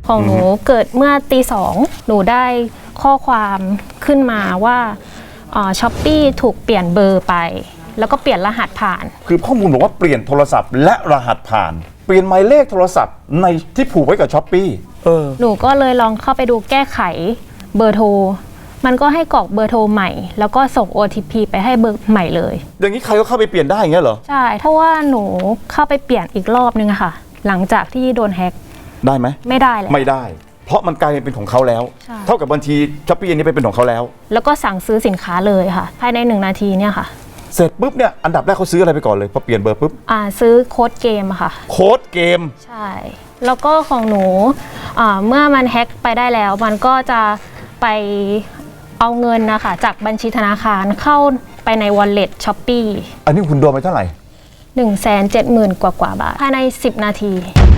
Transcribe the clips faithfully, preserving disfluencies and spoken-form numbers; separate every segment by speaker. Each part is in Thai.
Speaker 1: ของหนูเกิดเมื่อตีสองหนูได้ข้อความขึ้นมาว่าช้อปปี้ถูกเปลี่ยนเบอร์ไปแล้วก็เปลี่ยนรหัสผ่าน
Speaker 2: คือข้อมูลบอกว่าเปลี่ยนโทรศัพท์และรหัสผ่านเปลี่ยนหมายเลขโทรศัพท์ในที่ผูกไว้กับช้อปปี้เออ
Speaker 1: หนูก็เลยลองเข้าไปดูแก้ไขเบอร์โทรมันก็ให้กรอกเบอร์โทรใหม่แล้วก็ส่ง โอ ที พี ไปให้เบอร์ใหม่เลย
Speaker 2: อย่างนี้ใครก็เข้าไปเปลี่ยนได้อย่างเงี้ยเหรอ
Speaker 1: ใช่เพราะว่าหนูเข้าไปเปลี่ยนอีกรอบนึงอะค่ะหลังจากที่โดนแฮ็ก
Speaker 2: ได้ไหม
Speaker 1: ไม่ได้เลย
Speaker 2: ไม่ได้เพราะมันกลายเป็นของเขาแล้วเท่ากับบัญชีช้อปปี้อันนี้เป็นของเขาแล้ว
Speaker 1: แล้วก็สั่งซื้อสินค้าเลยค่ะภายในหนึ่งนาทีเนี่ยค่ะ
Speaker 2: เสร็จปุ๊บเนี่ยอันดับแรกเขาซื้ออะไรไปก่อนเลยพอเปลี่ยนเบอร์ปุ๊บ
Speaker 1: อ่าซื้อโค้ดเกมอะค่ะ
Speaker 2: โค้ดเกม
Speaker 1: ใช่แล้วก็ของหนูอ่าเมื่อมันแฮ็กไปได้แล้วมันก็จะไปเอาเงินนะคะจากบัญชีธนาคารเข้าไปใน Wallet Shopee
Speaker 2: อันนี้คุณโดนไปเท่าไหร่
Speaker 1: หนึ่งแสนเจ็ดหมื่น กว่ากว่าบาทภายในสิบนาที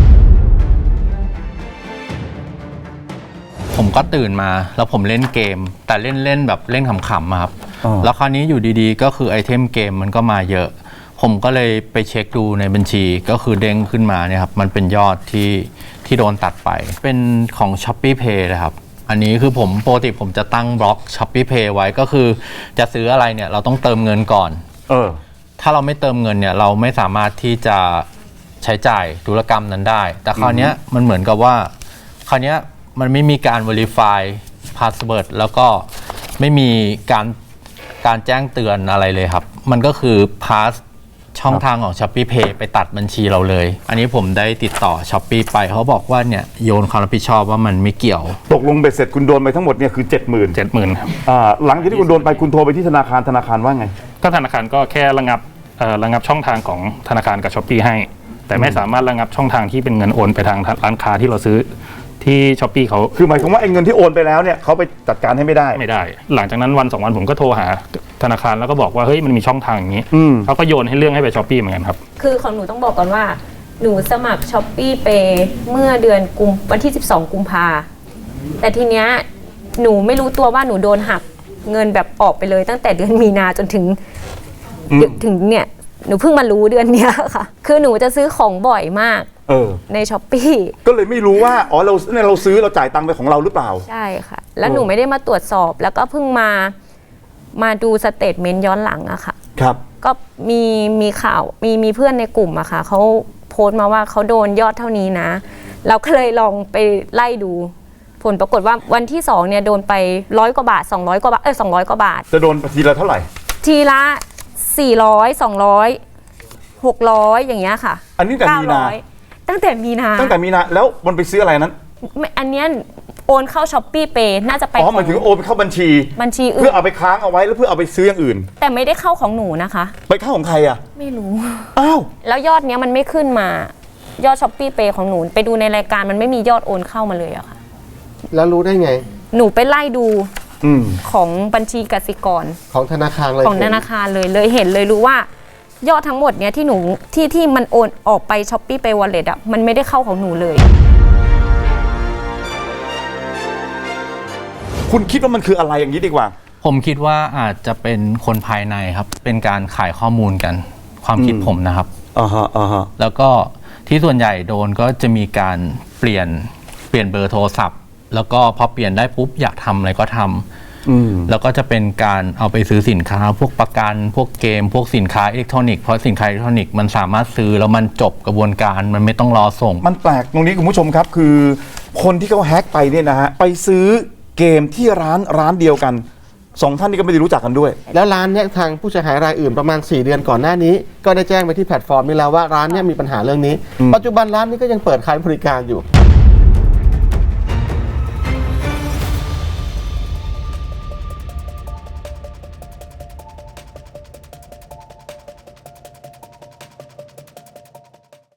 Speaker 3: ผมก็ตื่นมาแล้วผมเล่นเกมแต่เล่นเล่นแบบเล่นขำๆครับแล้วคราวนี้อยู่ดีๆก็คือไอเทมเกมมันก็มาเยอะผมก็เลยไปเช็คดูในบัญชีก็คือเด้งขึ้นมาเนี่ยครับมันเป็นยอดที่ที่โดนตัดไปเป็นของ Shopee Pay นะครับอันนี้คือผมปกติผมจะตั้งบล็อก Shopee Pay ไว้ก็คือจะซื้ออะไรเนี่ยเราต้องเติมเงินก่อนเออถ้าเราไม่เติมเงินเนี่ยเราไม่สามารถที่จะใช้จ่ายธุรกรรมนั้นได้แต่คราวนี้มันเหมือนกับว่าคราวนี้มันไม่มีการ verify password แล้วก็ไม่มีการการแจ้งเตือนอะไรเลยครับมันก็คือ pass ช่องทางของ Shopee Pay ไปตัดบัญชีเราเลยอันนี้ผมได้ติดต่อ Shopee ไปเขาบอกว่าเนี่ยโยนความรับผิดชอบว่ามันไม่เกี่ยว
Speaker 2: ตกลงเบ็ดเสร็จคุณโดนไปทั้งหมดเนี่ยคือ เจ็ดหมื่น
Speaker 3: เจ็ดหมื่นครับ
Speaker 2: อ่าหลังจากที่คุณโดนไปคุณโทรไปที่ธนาคารธนาคารว่าไง
Speaker 4: ก็ธนาคารก็แค่ระงับเอ่อระงับช่องทางของธนาคารกับ Shopee ให้แต่ไม่สามารถระงับช่องทางที่เป็นเงินโอนไปทางร้านค้าที่เราซื้อที่ Shopee เขา
Speaker 2: คือหมายความว่าไอ้เงินที่โอนไปแล้วเนี่ยเขาไปจัดการให้ไม่ได้
Speaker 4: ไม่ได้หลังจากนั้นวันสองวันผมก็โทรหาธนาคารแล้วก็บอกว่าเฮ้ยมันมีช่องทางอย่างนี้เขาก็โยนให้เรื่องให้ไป Shopee เหมือนกันครับ
Speaker 5: คือของหนูต้องบอกก่อนว่าหนูสมัคร Shopee Pay เมื่อเดือนกุมวันที่สิบสองกุมภาแต่ทีเนี้ยหนูไม่รู้ตัวว่าหนูโดนหักเงินแบบออกไปเลยตั้งแต่เดือนมีนาจนถึงถึงเนี่ยหนูเพิ่งมารู้เดือนเนี้ยค่ะคือหนูจะซื้อของบ่อยมาก
Speaker 2: เออ
Speaker 5: ใน Shopee
Speaker 2: ก็เลยไม่รู้ว่าอ๋อเราเนี่ยเราซื้อเราจ่ายตังค์ไปของเราหรือเปล่า
Speaker 5: ใช่ค่ะแล้วหนูไม่ได้มาตรวจสอบแล้วก็เพิ่งมามาดูสเตทเมนต์ย้อนหลังอะค่ะ
Speaker 2: ครับ
Speaker 5: ก็มีมีข่าวมีมีเพื่อนในกลุ่มอะค่ะเขาโพสต์มาว่าเขาโดนยอดเท่านี้นะเราก็เลยลองไปไล่ดูผลปรากฏว่าวันที่สองเนี่ยโดนไปร้อยกว่าบาทสองร้อยกว่าบาทเออสองร้อยกว่าบาท
Speaker 2: จะโดนทีละเท่าไหร่
Speaker 5: ทีละสี่ร้อยสองร้อยหกร้อยอย่างเงี้ยค่ะ
Speaker 2: อันนี้แต่มีนา
Speaker 5: ตั้งแต่มีนา
Speaker 2: ตั้งแต่มีนาแล้วมันไปซื้ออะไรนั้น
Speaker 5: อันเนี้ยโอนเข้า Shopee Pay น่าจะไป
Speaker 2: อ๋อหมายถึงโอนไปเข้าบัญชี
Speaker 5: บัญชีอื่น
Speaker 2: เพื่อเอาไปค้างเอาไว้แล้วเพื่อเอาไปซื้ออย่างอื่น
Speaker 5: แต่ไม่ได้เข้าของหนูนะคะ
Speaker 2: ไปเข้าของใครอ่ะ
Speaker 5: ไม่รู้
Speaker 2: อ้าว
Speaker 5: แล้วยอดเนี้ยมันไม่ขึ้นมายอด Shopee Pay ของหนูไปดูในรายการมันไม่มียอดโอนเข้ามาเลยอะค่ะ
Speaker 6: แล้วรู้ได้ไง
Speaker 5: หนูไปไล่ดูของบัญชีกสิกร
Speaker 6: ของธนาคารเลย
Speaker 5: ของธนาคารเลยเลยเห็นเลยรู้ว่ายอดทั้งหมดเนี้ยที่หนูที่ที่มันโอนออกไป Shopee Pay Wallet อะมันไม่ได้เข้าของหนูเลย
Speaker 2: คุณคิดว่ามันคืออะไรอย่างนี้ดีกว่า
Speaker 3: ผมคิดว่าอาจจะเป็นคนภายในครับเป็นการขายข้อมูลกันความคิดผมนะครับ
Speaker 2: อ่าฮะอ่าฮะ
Speaker 3: แล้วก็ที่ส่วนใหญ่โดนก็จะมีการเปลี่ยนเปลี่ยนเบอร์โทรศัพท์แล้วก็พอเปลี่ยนได้ปุ๊บอยากทำอะไรก็ทำแล้วก็จะเป็นการเอาไปซื้อสินค้าพวกประกันพวกเกมพวกสินค้าอิเล็กทรอนิกส์เพราะสินค้าอิเล็กทรอนิกส์มันสามารถซื้อแล้วมันจบกระบวนการมันไม่ต้องรอส่ง
Speaker 2: มันแปลกตรงนี้คุณผู้ชมครับคือคนที่เขาแฮ็กไปเนี่ยนะฮะไปซื้อเกมที่ร้านร้านเดียวกันสองท่านนี้ก็ไม่ได้รู้จักกันด้วย
Speaker 6: แล้วร้านเนี้ยทางผู้เสียหายรายอื่นประมาณสี่เดือนก่อนหน้านี้ก็ได้แจ้งไปที่แพลตฟอร์มนี้แล้วว่าร้านเนี้ยมีปัญหาเรื่องนี้ปัจจุบันร้านนี้ก็ยังเปิดขายบริการอยู่